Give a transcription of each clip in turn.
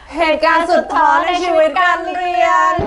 เหตุการณ์สุดท้อในชีวิตการเรียน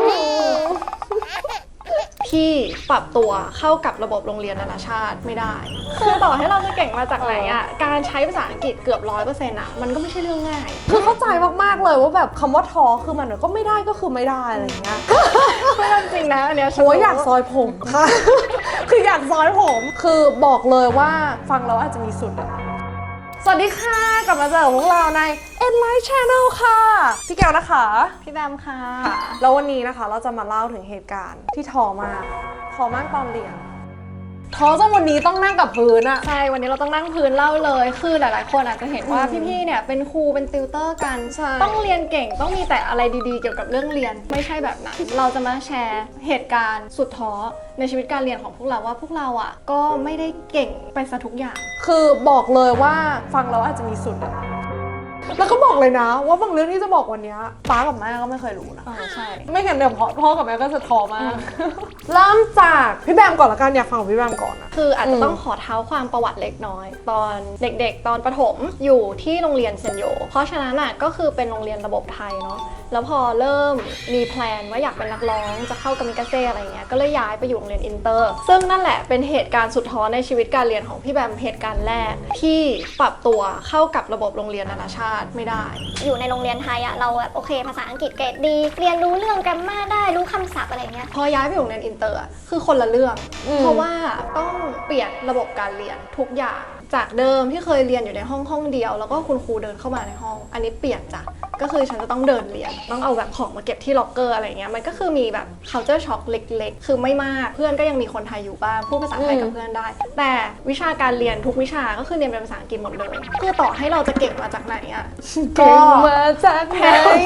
ที่ปรับตัวเข้ากับระบบโรงเรียนนานาชาติไม่ได้คือต่อให้เราจะเก่งมาจากไหนอ่ะการใช้ภาษาอังกฤษเกือบ 100% อ่ะมันก็ไม่ใช่เรื่องง่ายคือเข้าใจมากๆเลยว่าแบบคำว่าท้อคือมันก็ไม่ได้ก็คือไม่ได้อะไรอย่างเงี้ยไม่จริงนะอันเนี้ยโอ้ยอยากซอยผมค่ะ คืออยากซอยผมคือบอกเลยว่าฟังแล้วอาจจะมีสุดสวัสดีค่ะกลับมาเจอพวกเราใน Enlight Channel ค่ะพี่แก้วนะคะพี่แบมค่ะแล้ววันนี้นะคะเราจะมาเล่าถึงเหตุการณ์ที่ท้อมากตอนเรียนท้อจนวันนี้ต้องนั่งกับพื้นอะใช่วันนี้เราต้องนั่งพื้นเล่าเลยคือหลายๆคนอาจจะเห็นว่าพี่ๆเนี่ยเป็นครูเป็นติวเตอร์กันต้องเรียนเก่งต้องมีแต่อะไรดีๆเกี่ยวกับเรื่องเรียนไม่ใช่แบบนั้นเราจะมาแชร์เหตุการณ์สุดท้อในชีวิตการเรียนของพวกเราว่าพวกเราอ่ะก็ไม่ได้เก่งไปซะทุกอย่างคือบอกเลยว่าฟังแล้วอาจจะมีสุดอะแล้วก็บอกเลยนะว่าบางเรื่องที่จะบอกวันนี้ป้ากับแม่ก็ไม่เคยรู้นะใช่ไม่งั้นเดี๋ยวพ่อกับแม่ก็จะท้อมากเริ่มจากพี่แบมก่อนละกันอยากฟังของพี่แบมก่อนนะคืออาจจะต้องขอเท้าความประวัติเล็กน้อยตอนเด็กๆตอนประถมอยู่ที่โรงเรียนเซนโยเพราะฉะนั้นอ่ะก็คือเป็นโรงเรียนระบบไทยเนาะแล้วพอเริ่มมีแพลนว่าอยากเป็นนักร้องจะเข้ากามิกาเซ่อะไรเงี้ยก็เลยย้ายไปอยู่โรงเรียนอินเตอร์ซึ่งนั่นแหละเป็นเหตุการณ์สุดท้อในชีวิตการเรียนของพี่แบมเหตุการณ์แรกที่ปรับตัวเข้ากับระบบโรงเรียนนานาชาติไม่ได้อยู่ในโรงเรียนไทยอะเราแบบโอเคภาษาอังกฤษเกรดดีเรียนรู้เรื่องแกรมมาได้รู้คำศัพท์อะไรเงี้ยพอย้ายไปโรงเรียนอินเตอร์คือคนละเรื่องเพราะว่าต้องเปลี่ยนระบบการเรียนทุกอย่างจากเดิมที่เคยเรียนอยู่ในห้องเดียวแล้วก็คุณครูเดินเข้ามาในห้องอันนี้เปลี่ยนจ้ะก็คือฉันจะต้องเดินเรียนต้องเอาแบบของมาเก็บที่ล็อกเกอร์อะไรเงี้ยมันก็คือมีแบบ culture shock เล็กๆคือไม่มากเพื่อนก็ยังมีคนไทยอยู่บ้างพูดภาษาไทยกับเพื่อนได้แต่วิชาการเรียนทุกวิชาก็คือเรียนเป็นภาษาอังกฤษหมดเลยคือต่อให้เราจะเก่งมาจากไหนอะเก่งมาจากไหน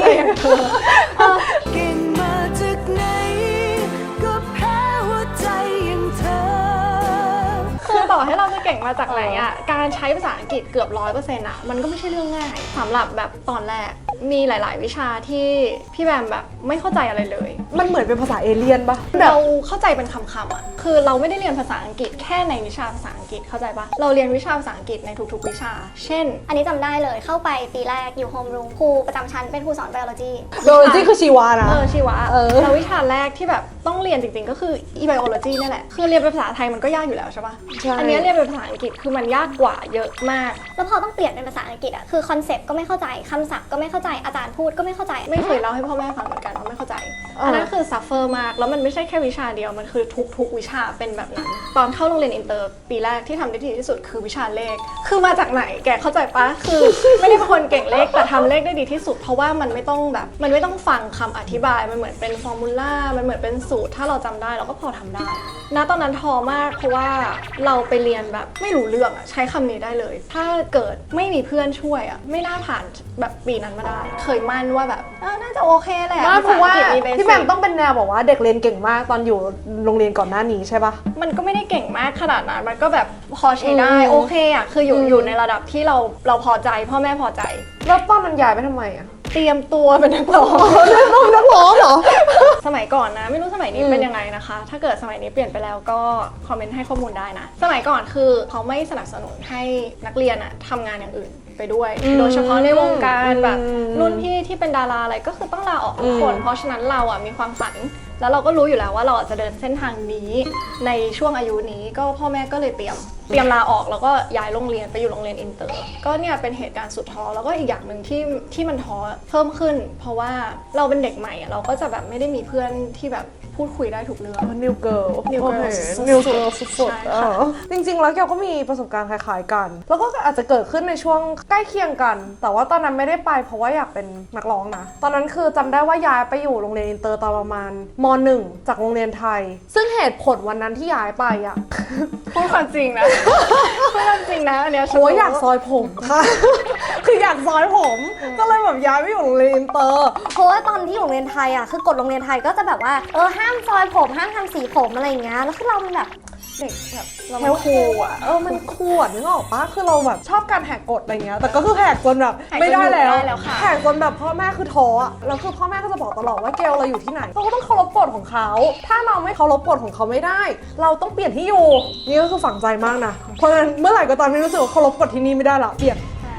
เก่งมาจากไหนก็แพ้หัวใจอย่างเธอคือต่อให้เราจะเก่งมาจากไหนอ่ะการใช้ภาษาอังกฤษเกือบ 100% อ่ะมันก็ไม่ใช่เรื่องง่ายสำหรับแบบตอนแรกมีหลายๆวิชาที่พี่แบมแบบไม่เข้าใจอะไรเลยมันเหมือนเป็นภาษาเอเลี่ยนปะเราเข้าใจเป็นคำๆอ่ะคือเราไม่ได้เรียนภาษาอังกฤษแค่ในวิชาภาษาอังกฤษเข้าใจปะเราเรียนวิชาภาษาอังกฤษในทุกๆวิชาเช่นอันนี้จำได้เลยเข้าไปปีแรกอยู่โฮมรูมครูประจำชั้นเป็นครูสอนไบโอโลจีคือชีวะนะชีวะแล้ววิชาแรกที่แบบต้องเรียนจริงๆก็คือไบโอโลจีนี่แหละคือเรียนเป็นภาษาไทยมันก็ยากอยู่แล้วใช่ปะอันนี้เรียนเป็นภาษาอังกฤษคือมันยากกว่าเยอะมากแล้วพอต้องเปลี่ยนเป็นภาษาอังกฤษอ่ะคือคอนเซ็ปต์ก็ไม่เข้าใจคำศัพท์ก็ไม่เข้าใจอาจารย์พูดก็ไม่เข้าใจไม่เคยเล่าให้พ่อแม่ฟังเหมือนกันว่าไม่เข้าใจอันนั้นคือซัฟเฟอร์มากแล้วมันไม่ใช่แค่วิชาเดียวมันคือทุกวิชาเป็นแบบนั้นตอนเข้าโรงเรียนอินเตอร์ปีแรกที่ทำได้ดีที่สุดคือวิชาเลขคือมาจากไหนแกเข้าใจปะคือไม่ได้เป็นคนเก่งเลขแต่ทำเลขได้ดีที่สุดเพราะว่ามันไม่ต้องฟังคำอธิบายมันเหมือนเป็นฟอร์มูล่ามันเหมือนเป็นสูตรถ้าเราจำได้เราก็พอทำได้ณตอนนั้นท้อมากเพราะว่าเราไปเรียนแบบไม่รู้เรื่องอะใช้คำนี้ได้เลยถ้าเกิดไม่มีเพื่อนช่วยอะไม่น่าผ่านแบบปีนั้นมาได้เคยมั่นว่าแบบน่าจะโอเคแหละเพราะว่าพี่แบมต้องเป็นแนวบอกว่าเด็กเรียนเก่งมากตอนอยู่โรงเรียนก่อนหน้านี้ใช่ปะมันก็ไม่ได้เก่งมากขนาดนั้นมันก็แบบพอใช้ได้โอเคอะคืออยู่ในระดับที่เราพอใจพ่อแม่พอใจแล้วตอนนั้นย้ายไปทำไมอะเตรียมตัวเป็นนักร้องนักร้องเหรอสมัยก่อนนะไม่รู้สมัยนี้เป็นยังไงนะคะถ้าเกิดสมัยนี้เปลี่ยนไปแล้วก็คอมเมนต์ให้ข้อมูลได้นะสมัยก่อนคือเขาไม่สนับสนุนให้นักเรียนอะทำงานอย่างอื่นไปด้วยโดยเฉพาะในวงการแบบรุ่นพี่ที่เป็นดาราอะไรก็คือต้องลาออกทุกคนเพราะฉะนั้นเราอ่ะมีความฝันแล้วเราก็รู้อยู่แล้วว่าเราจะเดินเส้นทางนี้ในช่วงอายุนี้ก็พ่อแม่ก็เลยเตรียมลาออกแล้วก็ย้ายโรงเรียนไปอยู่โรงเรียนอินเตอร์ก็เนี่ยเป็นเหตุการณ์สุดท้อแล้วก็อีกอย่างหนึ่งที่มันท้อเพิ่มขึ้นเพราะว่าเราเป็นเด็กใหม่เราก็จะแบบไม่ได้มีเพื่อนที่แบบพูดคุยได้ทุกเรื่องนิวเกิร์ลสุดๆจริงๆแล้วแกก็มีประสบการณ์คล้ายๆกันแล้วก็อาจจะเกิดขึ้นในช่วงใกล้เคียงกันแต่ว่าตอนนั้นไม่ได้ไปเพราะว่าอยากเป็นนักร้องนะตอนนั้นคือจำได้ว่าย้ายไปอยู่โรงเรียนอินเตอร์ตอนประมาณม.1 จากโรงเรียนไทยซึ่งเหตุผลวันนั้นที่ย้ายไปอ่ะพูดความจริงนะพูดความจริงนะอันเนี้ยโอ้ยอยากซอยผมค่ะคืออยากซอยผมก็เลยแบบย้ายไปอยู่โรงเรียนอินเตอร์เพราะว่าตอนที่อยู่โรงเรียนไทยอ่ะคือกฎโรงเรียนไทยก็จะแบบว่าห้ามซอยผมห้ามทำสีผมอะไรอย่างเงี้ยแล้วคือเราแบบเด็กแบบเราไม่คูลอ่ะมันคูลนึกออกปะคือเราแบบชอบการแหกกฎอะไรเงี้ยแต่ก็คือแหกจนแบบไม่ได้แล้วแหกจนแบบพ่อแม่คือท้ออ่ะแล้วคือพ่อแม่ก็จะบอกตลอดว่าเกลเราอยู่ที่ไหนเราก็ต้องเคารพกฎของเขาถ้าเราไม่เคารพกฎของเขาไม่ได้เราต้องเปลี่ยนที่อยู่นี่ก็คือฝังใจมากนะเพราะฉะนั้นเมื่อไหร่ก็ตามที่รู้สึกว่าเคารพกฎที่นี่ไม่ได้ละเปลี่ยน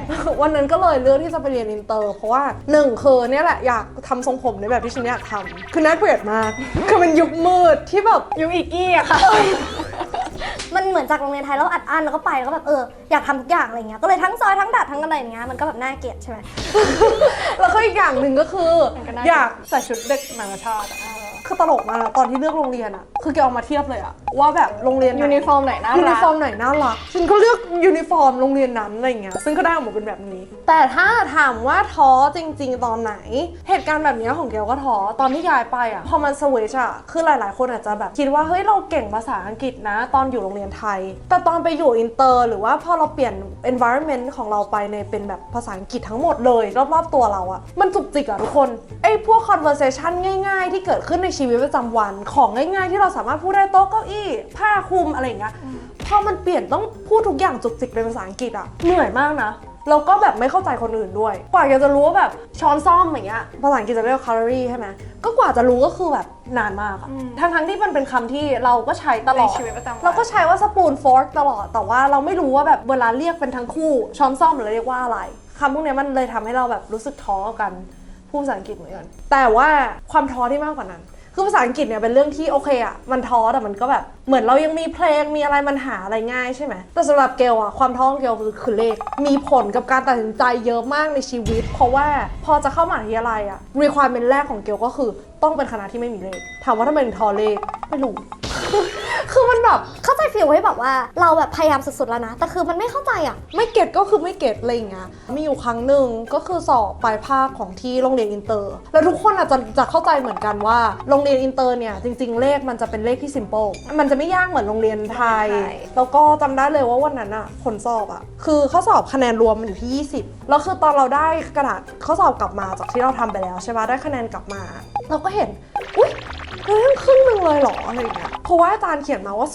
วันนั้นก็เลยเลือกที่จะไปเรียนอินเตอร์เพราะว่า1คือเนี่ยแหละอยากทำทรงผมในแบบที่ฉันอยากทำคือน่าเกลียดมาก คือมันยุคมืดที่แบบยุคอีกี้อะค่ะมันเหมือนจากโรงเรียนไทยแล้วอัดอั้นแล้วก็ไปแล้วก็แบบอยากทำทุกอย่างอะไรเงี้ยก็เลยทั้งซอยทั้งดัดทั้งอะไรอย่างเงี้ยมันก็แบบน่าเกลียดใช่ไหมแล้วก็อีกอย่างหนึ่งก็คือมันก็น่าอยากใส่ชุดเด็กนานาชาติอะคือตลกมากนะตอนที่เลือกโรงเรียนอะคือแกเอามาเทียบเลยอะว่าแบบโรงเรียนไหยูนิฟอร์มไหนน่ายูนิรักฟอร์มไหนน่ารักฉันก็เลือกยูนิฟอร์มโรงเรียนนั้นอะไรเงี้ยซึ่งก็ได้ออกมาเป็นแบบนี้ แต่ถ้าถามว่าท้อจริงๆตอนไหน เหตุการณ์แบบนี้ของแกก็ท้อตอนที่ย้ายไปอะพอมันสวิตช์อะคือหลายๆคนอาจจะแบบคิดว่าเฮ้ยเราเก่งภาษาอังกฤษนะ ตอนอยู่โรงเรียนไทย แต่ตอนไปอยู่อินเตอร์หรือว่าพอเราเปลี่ยน environment ของเราไปในเป็นแบบภาษาอังกฤษทั้งหมดเลยรอบๆตัวเราอะมันจุกจิกอะทุกคนไอ้พวก conversation ง่ายๆ ที่เกิดขึ้นในชีวิตประจำวันของง่ายๆที่เราสามารถพูดได้โต๊ะเก้าอี้ผ้าคลุมอะไรอย่างเงี้ยพอมันเปลี่ยนต้องพูดทุกอย่างจุกจิกเป็นภาษาอังกฤษอะเหนื่อยมากนะเราก็แบบไม่เข้าใจคนอื่นด้วยกว่าจะรู้ว่าแบบช้อนซ่อมอย่างเงี้ยภาษาอังกฤษจะเรียกว่า calorie ใช่ไหมก็กว่าจะรู้ก็คือแบบนานมากอะทั้งที่มันเป็นคำที่เราก็ใช้ตลอดในชีวิตประจำวันเราก็ใช้ว่า spoon fork ตลอดแต่ว่าเราไม่รู้ว่าแบบเวลาเรียกเป็นทั้งคู่ช้อนซ่อมเราเรียกว่าอะไรคำพวกเนี้ยมันเลยทำให้เราแบบรู้สึกท้อกับกันพูดภาษาอังกฤษเหมือนกันแต่ว่าความท้อที่มากกว่านั้นคือภาษาอังกฤษเนี่ยเป็นเรื่องที่โอเคอะมันท้อแต่มันก็แบบเหมือนเรายังมีเพลงมีอะไรมันหาอะไรง่ายใช่ไหมแต่สำหรับเกลอะความท้อของเกลคือเลขมีผลกับการตัดสินใจเยอะมากในชีวิตเพราะว่าพอจะเข้ามหาวิทยาลัยอะ requirement แรกของเกลก็คือต้องเป็นคณะที่ไม่มีเลขถามว่าทำไมถึงท้อเลขไม่รู้ คือมันแบบเข้าใจฟีลที่แบบว่าเราแบบพยายามสุดๆแล้วนะแต่คือมันไม่เข้าใจอ่ะไม่เก็ตก็คือไม่เก็ตอะไรอย่างเงี้ยมีอยู่ครั้งหนึ่งก็คือสอบปลายภาคของที่โรงเรียนอินเตอร์แล้วทุกคนอาจจะเข้าใจเหมือนกันว่าโรงเรียนอินเตอร์เนี่ยจริงๆเลขมันจะเป็นเลขที่ simple มันจะไม่ยากเหมือนโรงเรียนไทยใช่แล้วก็จำได้เลยว่าวันนั้นอะผลสอบอะคือข้อสอบคะแนนรวมมันอยู่ที่20แล้วคือตอนเราได้กระดาษข้อสอบกลับมาจากที่เราทำไปแล้วใช่ปะได้คะแนนกลับมา เราก็เห็นอุ๊ยเฮ้ยครึ่งหนึงเลยเหรออะไรอย่างเงี้ยเพราะว่าอาจารย์เขียนมาว่า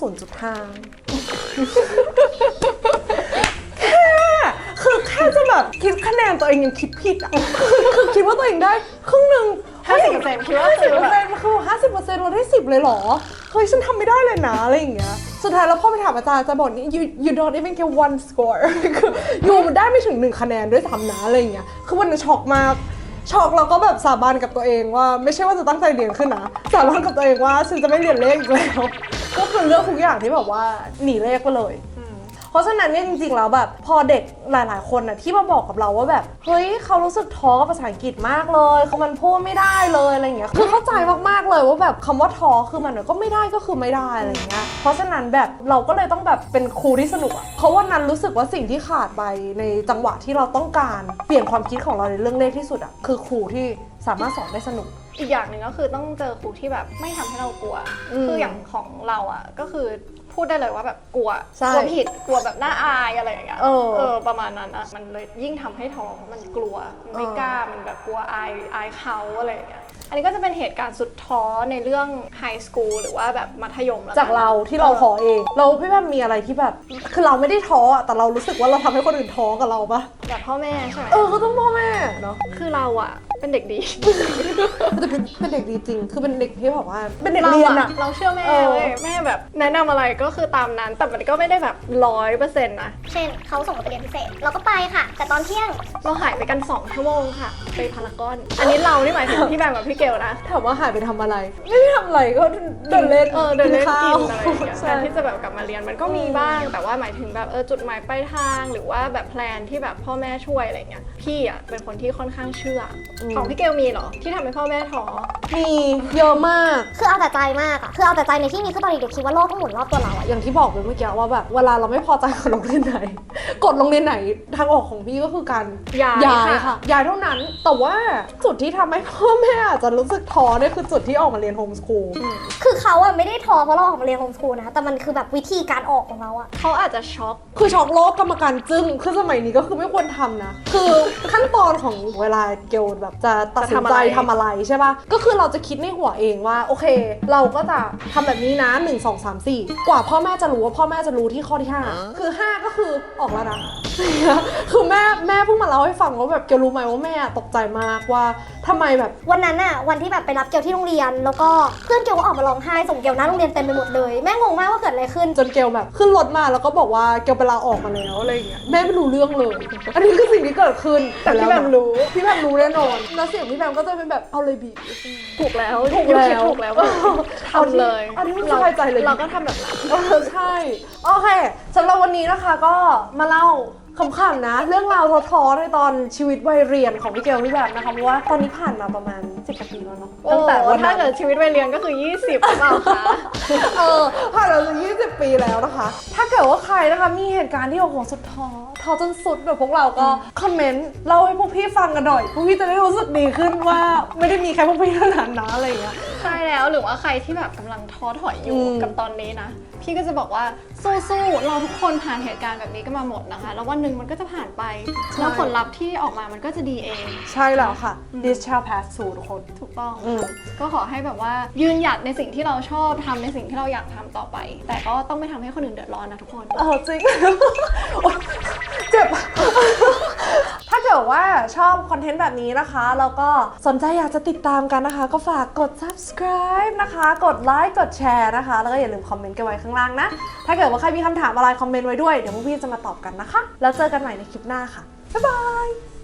0.5 คือแค่จะแบบคิดคะแนนตัวเองยังคิดผิดอ่ะ คือคิดว่าตัวเองได้ครึ่งหนึ่ง 50%คิดว่า 50%คือ50%เราได้10เลยเหรอ เฮ้ยฉันทำไม่ได้เลยนะอะไรอย่างเงี้ย สุดท้ายแล้วพอไปถามอาจารย์จะบอกนี่ you don't even get one score คืออยู่มันได้ไม่ถึง1คะแนนด้วยซ้ำนะอะไรอย่างเงี้ย คือวันนั้นช็อกมาก ช็อกแล้วก็แบบสาบานกับตัวเองว่าไม่ใช่ว่าจะตั้งใจเรียนขึ้นนะสาบานกับตัวเองว่าฉันจะไม่เรียนเลขอีกแล้ว ก็คือเลือกทุกอย่างที่แบบว่าหนีเลขไปเลย เพราะฉะนั้นเนี่ยจริงๆแล้วแบบพอเด็กหลายๆคนน่ะที่มาบอกกับเราว่าแบบเฮ้ยเขารู้สึกท้อกับภาษาอังกฤษมากเลยคือมันพูดไม่ได้เลยอะไรอย่างเงี้ยคือเข้าใจมากๆเลยว่าแบบคำว่าท้อคือมันก็ไม่ได้ก็คือไม่ได้อะไรอย่างเงี้ยเพราะฉะนั้นแบบเราก็เลยต้องแบบเป็นครูที่สนุกอะเพราะว่านั้นรู้สึกว่าสิ่งที่ขาดไปในจังหวะที่เราต้องการเปลี่ยนความคิดของเราในเรื่องเลขที่สุดอะคือครูที่สามารถสอนได้สนุกอีกอย่างหนึ่งก็คือต้องเจอครูที่แบบไม่ทำให้เรากลัว คืออย่างของเราอ่ะก็คือพูดได้เลยว่าแบบกลัวใช่กลัวผิดกลัวแบบน่าอายอะไรอย่างเงี้ยเออประมาณนั้นอ่ะมันเลยยิ่งทำให้ท้อมันกลัวมันไม่กล้ามันแบบกลัวอายเขาอะไรอย่างเงี้ยอันนี้ก็จะเป็นเหตุการณ์สุดท้อในเรื่องไฮสคูลหรือว่าแบบมัธยมแล้วจากเราที่เราท้อเองเราพี่แบบมีอะไรที่แบบคือเราไม่ได้ท้ออะแต่เรารู้สึกว่าเราทำให้คนอื่นท้อกับเราปะแบบพ่อแม่ใช่ไหมก็ต้องพ่อแม่เนาะคือเราอ่ะเป็นเด็กดีแต่เป็นเด็กดีจริงคือเป็นเด็กที่แบบว่าเป็นเด็กเรียนอะเราเชื่อแม่เออเว้ยแม่แบบแนะนำอะไรก็คือตามนั้นแต่มันก็ไม่ได้แบบ100%นะเช่นเขาส่งเราไปเรียนพิเศษเราก็ไปค่ะ แต่ตอนเที่ยงเราหายไปกัน2 ชั่วโมงค่ะไปพารากอนอันนี้เรานี่หมายถึงพี่แบมกับพี่เกลนะถามว่าหายไปทำอะไร ไม่ได้ทำอะไรก็เดินเล่นเดินเล่นข้ากิวนอะไรอย่างเงี้ยใช่แทนที่จะแบบกลับมาเรียนมันก็มีบ้าง แต่ว่าหมายถึงแบบจุดหมายปลายทางหรือว่าแบบแพลนที่แบบพ่อแม่ช่วยอะไรเงี้ยพี่อ่ะเป็นคนที่ค่อนข้างเชื่ออของพี่เกลมีเหรอที่ทำให้พ่อแม่ท้อมีเยอะมากคือเอาแต่ใจมากอะคือเอาแต่ใจในที่นี้คือตอนเด็กๆคิดว่าโลกทั้งหมุนรอบตัวเราอะอย่างที่บอกไปเมื่อกี้ว่าแบบเวลาเราไม่พอใจกับโรงเรียนไหน กดโรงเรียนไหนทางออกของพี่ก็คือการย้ายค่ะย้ายเท่านั้นแต่ว่าจุดที่ทำให้พ่อแม่อาจจะรู้สึกท้อเนี่ยคือจุดที่ออกมาเรียนโฮมสคูลคือเขาอะไม่ได้ท้อเพราะเราออกมาเรียนโฮมสคูลนะแต่มันคือแบบวิธีการออกของเราอะเขาอาจจะช็อกคือช็อกโลกกรรมการจึ้งคือสมัยนี้ก็คือไม่ควรทำนะ คือขั้นตอนของเวลาเกลแบบจะตัดสินใจทำอะไรใช่ปะก็คือเราจะคิดในหัวเองว่าโอเค เราก็จะทำแบบนี้นะ1 2 3 4 กว่าพ่อแม่จะรู้ว่าพ่อแม่จะรู้ที่ข้อที่ 5 คือ 5 ก็คือออกแล้วนะ คือแม่เพิ่งมาเล่าให้ฟังว่าแบบเกลรู้ไหมว่าแม่ตกใจมากว่าทำไมแบบวันนั้นอะวันที่แบบไปรับเกลที่โรงเรียน แล้วก็เพื่อนเกลก็ออกมาร้องไห้ส่งเกลหน้าโรงเรียนเต็มไปหมดเลยแม่งงมากว่าเกิดอะไรขึ้นจนเกลแบบขึ้นรถมาแล้วก็บอกว่าเกลไปลาออกมาแล้วอะไรอย่างเงี้ยแม่ไม่รู้เรื่องเลย อันนี้คือสิ่งที่เกิดขึ้นแต่พี่แบมรู้พี่แบมรู้แน่นอนแล้วเสียงพี่แบมก็จะเป็นแบบเอาเลยบีถูกแล้วถูกแล้วคิดถูกแล้วทำเลยอันนี้มันสบายใจเลยเราก็ทำแบบนั้นใช่โอเคสำหรับวันนี้นะคะก็มาเล่าขำๆนะ เรื่องราวท้อๆในตอนชีวิตวัยเรียนของพี่เกลพี่แบบนะคะเพราะว่าตอนนี้ผ่านมาประมาณ10 กว่าปีแล้วเนาะโอ้ถ้าเกิดชีวิตวัยเรียนก็คือ 20หรือเปล่าคะผ่านมาจะ20 ปีแล้วนะคะ ถ้าเกิดว่าใครนะคะมีเหตุการณ์ที่โอ้โหสุดท้อจนสุดแบบพวกเราก็คอมเมนต์เล่าให้พวกพี่ฟังกันหน่อยพวกพี่จะได้รู้สึกดีขึ้นว่าไม่ได้มีแค่พวกพี่เท่านั้นนะอะไรอย่างเงี้ยใช่แล้วหรือว่าใครที่แบบกำลังท้อถอยอยู่อืมกับตอนนี้นะ พี่ก็จะบอกว่าสู้ๆเราทุกคนผ่านเหตุการณ์แบบนี้กันมาหมดนะคะ แล้ววันหนึ่งมันก็จะผ่านไป แล้วผลลัพธ์ที่ออกมามันก็จะดีเองใช่แล้วค่ะ this shall pass too ทุกคนถูกต้องอืมก็ขอให้แบบว่ายืนหยัดในสิ่งที่เราชอบทำในสิ่งที่เราอยากทำต่อไป แต่ก็ต้องไม่ทำให้คนอื่นเดือดร้อนนะทุกคนจริง เจ็บ ถ้าเกิดว่าชอบคอนเทนต์แบบนี้นะคะ แล้วก็สนใจอยากจะติดตามกันนะคะ ก็ฝากกด subscribe นะคะ กดไลค์ กดแชร์นะคะ แล้วก็อย่าลืมคอมเมนต์กันไว้ข้างล่างนะ ถ้าเกิดว่าใครมีคำถามอะไรคอมเมนต์ไว้ด้วย เดี๋ยวพวกพี่จะมาตอบกันนะคะ แล้วเจอกันใหม่ในคลิปหน้าค่ะ บ๊ายบาย